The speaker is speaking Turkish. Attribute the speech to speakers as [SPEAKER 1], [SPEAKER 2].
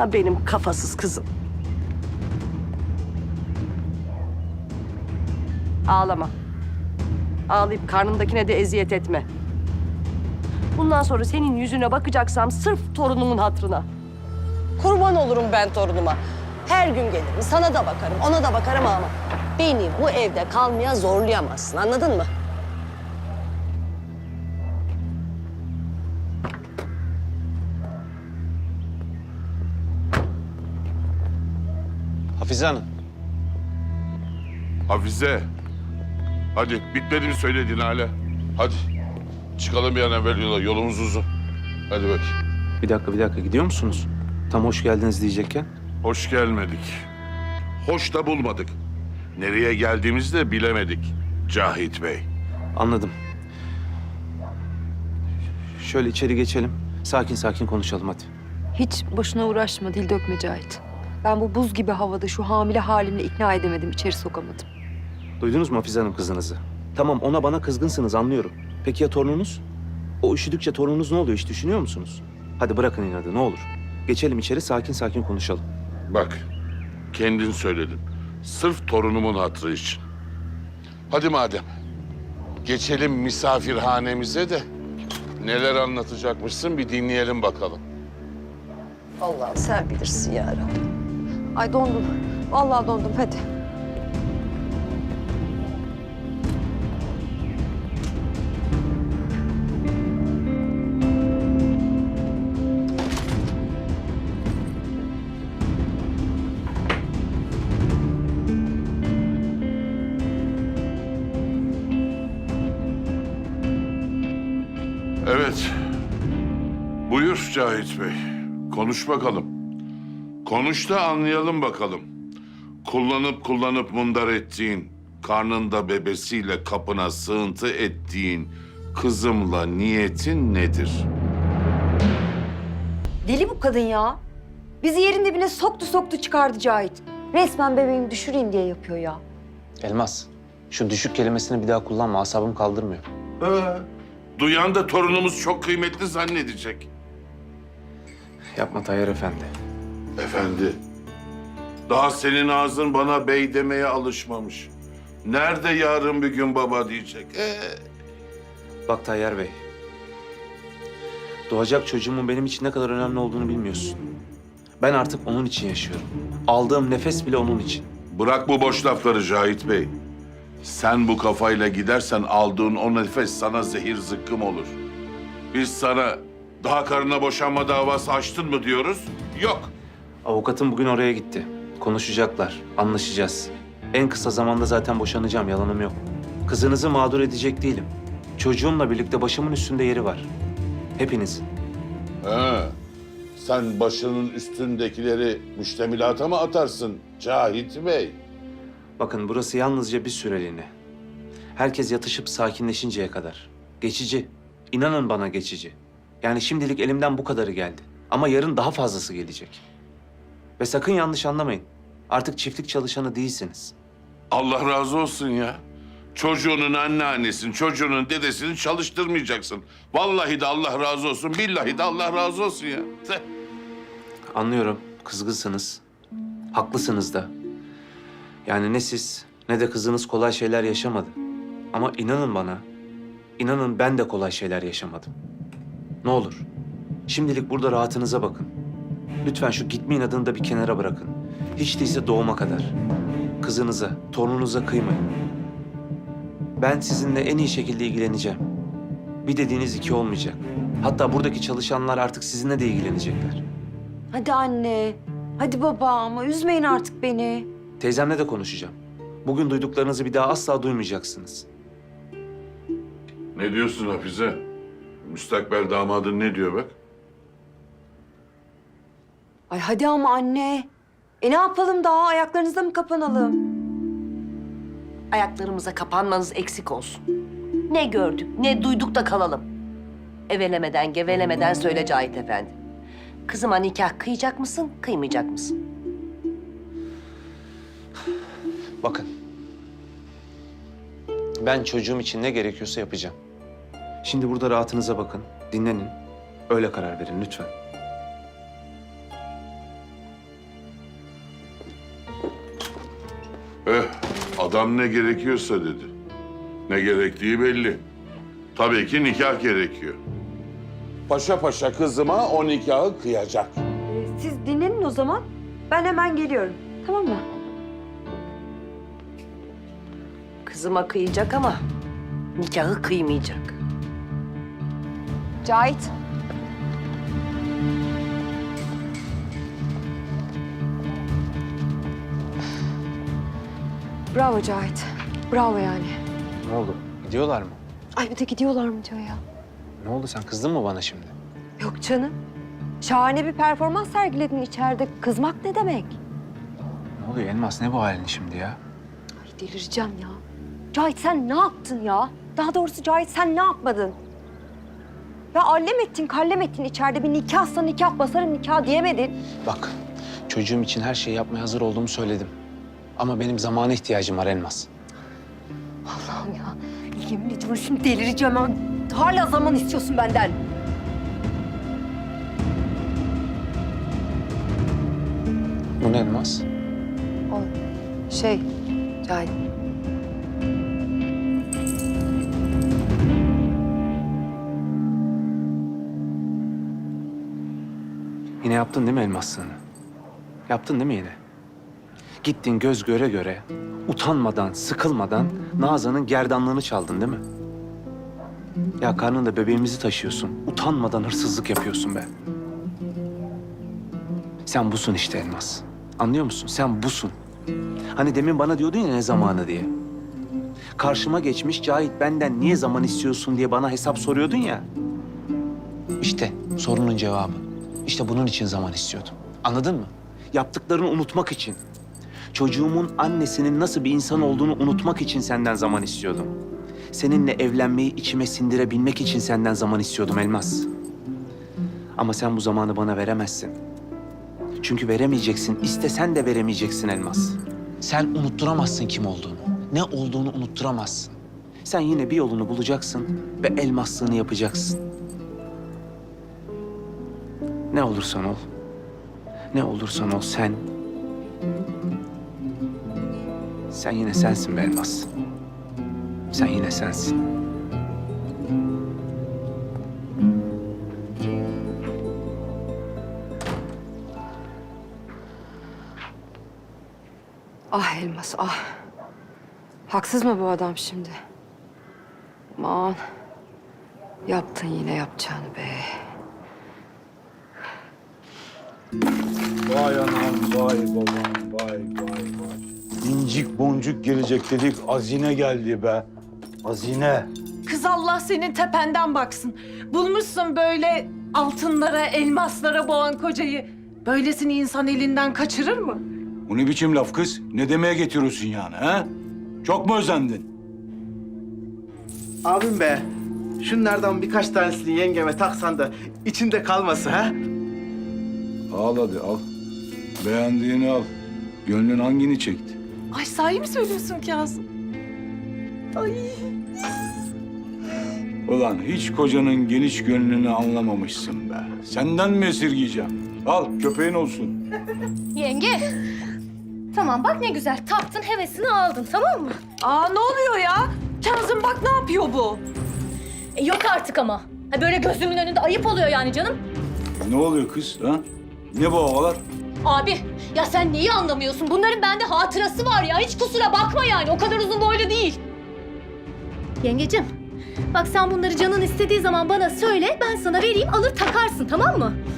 [SPEAKER 1] Ha benim kafasız kızım. Ağlama. Ağlayıp karnımdakine de eziyet etme. Bundan sonra senin yüzüne bakacaksam sırf torunumun hatırına. Kurban olurum ben torunuma. Her gün gelirim, sana da bakarım, ona da bakarım ama beni bu evde kalmaya zorlayamazsın, anladın mı?
[SPEAKER 2] Hafize Hanım.
[SPEAKER 3] Hafize. Hadi bitmedi mi söylediğin hala? Hadi. Çıkalım bir an evvel yola. Yolumuz uzun. Hadi bak.
[SPEAKER 2] Bir dakika gidiyor musunuz? Tam hoş geldiniz diyecekken.
[SPEAKER 3] Hoş gelmedik. Hoş da bulmadık. Nereye geldiğimizi de bilemedik Cahit Bey.
[SPEAKER 2] Anladım. Şöyle içeri geçelim. Sakin sakin konuşalım hadi.
[SPEAKER 4] Hiç boşuna uğraşma, dil dökme Cahit. Ben bu buz gibi havada şu hamile halimle ikna edemedim, içeri sokamadım.
[SPEAKER 2] Duydunuz mu Hafize Hanım kızınızı? Tamam ona bana kızgınsınız anlıyorum. Peki ya torununuz? O üşüdükçe torununuz ne oluyor hiç düşünüyor musunuz? Hadi bırakın inadı ne olur. Geçelim içeri sakin sakin konuşalım.
[SPEAKER 3] Bak, kendin söyledin. Sırf torunumun hatırı için. Hadi madem. Geçelim misafirhanemize de neler anlatacakmışsın bir dinleyelim bakalım.
[SPEAKER 1] Allah'ım sen bilirsin ya Rabbi.
[SPEAKER 4] Ay dondum. Vallahi dondum, hadi.
[SPEAKER 3] Evet. Buyur Cahit Bey. Konuş bakalım. Konuş da anlayalım bakalım. Kullanıp mundar ettiğin, karnında bebesiyle kapına sığıntı ettiğin kızımla niyetin nedir?
[SPEAKER 4] Deli bu kadın ya. Bizi yerin dibine soktu çıkardı Cahit. Resmen bebeğimi düşüreyim diye yapıyor ya.
[SPEAKER 2] Elmas, şu düşük kelimesini bir daha kullanma. Asabım kaldırmıyor.
[SPEAKER 3] Duyan da torunumuz çok kıymetli zannedecek.
[SPEAKER 2] Yapma Tayyar Efendi.
[SPEAKER 3] Efendi, daha senin ağzın bana bey demeye alışmamış. Nerede yarın bir gün baba diyecek?
[SPEAKER 2] Bak Tayyar Bey. Doğacak çocuğumun benim için ne kadar önemli olduğunu bilmiyorsun. Ben artık onun için yaşıyorum. Aldığım nefes bile onun için.
[SPEAKER 3] Bırak bu boş lafları Cahit Bey. Sen bu kafayla gidersen aldığın o nefes sana zehir zıkkım olur. Biz sana daha karına boşanma davası açtın mı diyoruz? Yok.
[SPEAKER 2] Avukatım bugün oraya gitti. Konuşacaklar, anlaşacağız. En kısa zamanda zaten boşanacağım, yalanım yok. Kızınızı mağdur edecek değilim. Çocuğumla birlikte başımın üstünde yeri var. Hepiniz.
[SPEAKER 3] He. Sen başının üstündekileri müştemilata mı atarsın Cahit Bey?
[SPEAKER 2] Bakın burası yalnızca bir süreliğine. Herkes yatışıp sakinleşinceye kadar. Geçici. İnanın bana geçici. Yani şimdilik elimden bu kadarı geldi. Ama yarın daha fazlası gelecek. Ve sakın yanlış anlamayın. Artık çiftlik çalışanı değilsiniz.
[SPEAKER 3] Allah razı olsun ya. Çocuğunun anneannesini, çocuğunun dedesini çalıştırmayacaksın. Vallahi de Allah razı olsun, billahi de Allah razı olsun ya.
[SPEAKER 2] Anlıyorum, kızgınsınız. Haklısınız da. Yani ne siz ne de kızınız kolay şeyler yaşamadı. Ama inanın bana, inanın ben de kolay şeyler yaşamadım. Ne olur, şimdilik burada rahatınıza bakın. Lütfen şu gitme inadını da bir kenara bırakın. Hiç değilse doğuma kadar. Kızınıza, torununuza kıymayın. Ben sizinle en iyi şekilde ilgileneceğim. Bir dediğiniz iki olmayacak. Hatta buradaki çalışanlar artık sizinle de ilgilenecekler.
[SPEAKER 4] Hadi anne, hadi baba ama üzmeyin artık beni.
[SPEAKER 2] Teyzemle de konuşacağım. Bugün duyduklarınızı bir daha asla duymayacaksınız.
[SPEAKER 3] Ne diyorsun Hafize? Müstakbel damadın ne diyor bak?
[SPEAKER 4] Ay hadi ama anne. Ne yapalım daha, ayaklarınızda mı kapanalım?
[SPEAKER 1] Ayaklarımıza kapanmanız eksik olsun. Ne gördük, ne duyduk da kalalım. Evelemeden, gevelemeden söyle Cahit Efendi. Kızıma nikah kıyacak mısın, kıymayacak mısın?
[SPEAKER 2] Bakın. Ben çocuğum için ne gerekiyorsa yapacağım. Şimdi burada rahatınıza bakın, dinlenin. Öyle karar verin lütfen.
[SPEAKER 3] Adam ne gerekiyorsa dedi. Ne gerektiği belli. Tabii ki nikah gerekiyor. Paşa paşa kızıma o nikahı kıyacak.
[SPEAKER 4] Siz dinlenin o zaman. Ben hemen geliyorum. Tamam mı?
[SPEAKER 1] Kızıma kıyacak ama nikahı kıymayacak.
[SPEAKER 4] Cahit. Bravo Cahit. Bravo yani.
[SPEAKER 2] Ne oldu? Gidiyorlar mı?
[SPEAKER 4] Ay bir de gidiyorlar mı diyor ya.
[SPEAKER 2] Ne oldu, sen kızdın mı bana şimdi?
[SPEAKER 4] Yok canım. Şahane bir performans sergiledin içeride. Kızmak ne demek?
[SPEAKER 2] Ne oluyor Elmas, ne bu halin şimdi ya?
[SPEAKER 4] Ay delireceğim ya. Cahit sen ne yaptın ya? Daha doğrusu Cahit sen ne yapmadın? Ya allem ettin, kallem ettin içeride. Bir nikahsa nikah, basarım nikah diyemedin.
[SPEAKER 2] Bak, çocuğum için her şeyi yapmaya hazır olduğumu söyledim. Ama benim zamana ihtiyacım var Elmas.
[SPEAKER 4] Allah'ım ya. Yemin ediyorum şimdi delireceğim. Ya. Hala zaman istiyorsun benden.
[SPEAKER 2] Bu ne Elmas?
[SPEAKER 4] O şey Cahit.
[SPEAKER 2] Yine yaptın değil mi elmaslığını? Yaptın değil mi yine? Gittin göz göre göre, utanmadan, sıkılmadan Nazan'ın gerdanlığını çaldın değil mi? Ya karnında bebeğimizi taşıyorsun. Utanmadan hırsızlık yapıyorsun be. Sen busun işte Elmas. Anlıyor musun? Sen busun. Hani demin bana diyordun ya ne zamanı diye. Karşıma geçmiş Cahit benden niye zaman istiyorsun diye bana hesap soruyordun ya. İşte sorunun cevabı. İşte bunun için zaman istiyordum. Anladın mı? Yaptıklarını unutmak için. Çocuğumun annesinin nasıl bir insan olduğunu unutmak için senden zaman istiyordum. Seninle evlenmeyi içime sindirebilmek için senden zaman istiyordum Elmas. Ama sen bu zamanı bana veremezsin. Çünkü veremeyeceksin. İstesen de veremeyeceksin Elmas. Sen unutturamazsın kim olduğunu. Ne olduğunu unutturamazsın. Sen yine bir yolunu bulacaksın ve elmaslığını yapacaksın. Ne olursan ol. Ne olursan ol sen. Sen yine sensin be Elmas. Sen yine sensin.
[SPEAKER 4] Ah Elmas ah. Haksız mı bu adam şimdi? Aman. Yaptın yine yapacağını be.
[SPEAKER 5] Vay anam, vay babam, vay vay vay. İncik boncuk gelecek dedik, hazine geldi be. Hazine.
[SPEAKER 6] Kız Allah senin tependen baksın. Bulmuşsun böyle altınlara, elmaslara boğan kocayı. Böylesini insan elinden kaçırır mı?
[SPEAKER 5] Bu ne biçim laf kız? Ne demeye getiriyorsun yani ha? Çok mu özendin?
[SPEAKER 7] Abim be, şunlardan birkaç tanesini yengeme taksan da içinde kalması ha?
[SPEAKER 5] Al hadi al. Beğendiğini al. Gönlün hangini çekti?
[SPEAKER 6] Ay sahi mi söylüyorsun Kazım? Ay.
[SPEAKER 5] Ulan hiç kocanın geniş gönlünü anlamamışsın be. Senden mi esirgeyeceğim? Al köpeğin olsun.
[SPEAKER 8] Yenge. Tamam bak ne güzel taktın hevesini aldın tamam mı?
[SPEAKER 6] Aa ne oluyor ya? Kazım bak ne yapıyor bu?
[SPEAKER 8] Yok artık ama. Ha, böyle gözümün önünde ayıp oluyor yani canım.
[SPEAKER 5] Ne oluyor kız ha? Ne bu havalar?
[SPEAKER 8] Abi ya sen neyi anlamıyorsun? Bunların bende hatırası var ya. Hiç kusura bakma yani. O kadar uzun boylu değil. Yengecim bak sen bunları canın istediği zaman bana söyle. Ben sana vereyim alır takarsın tamam mı?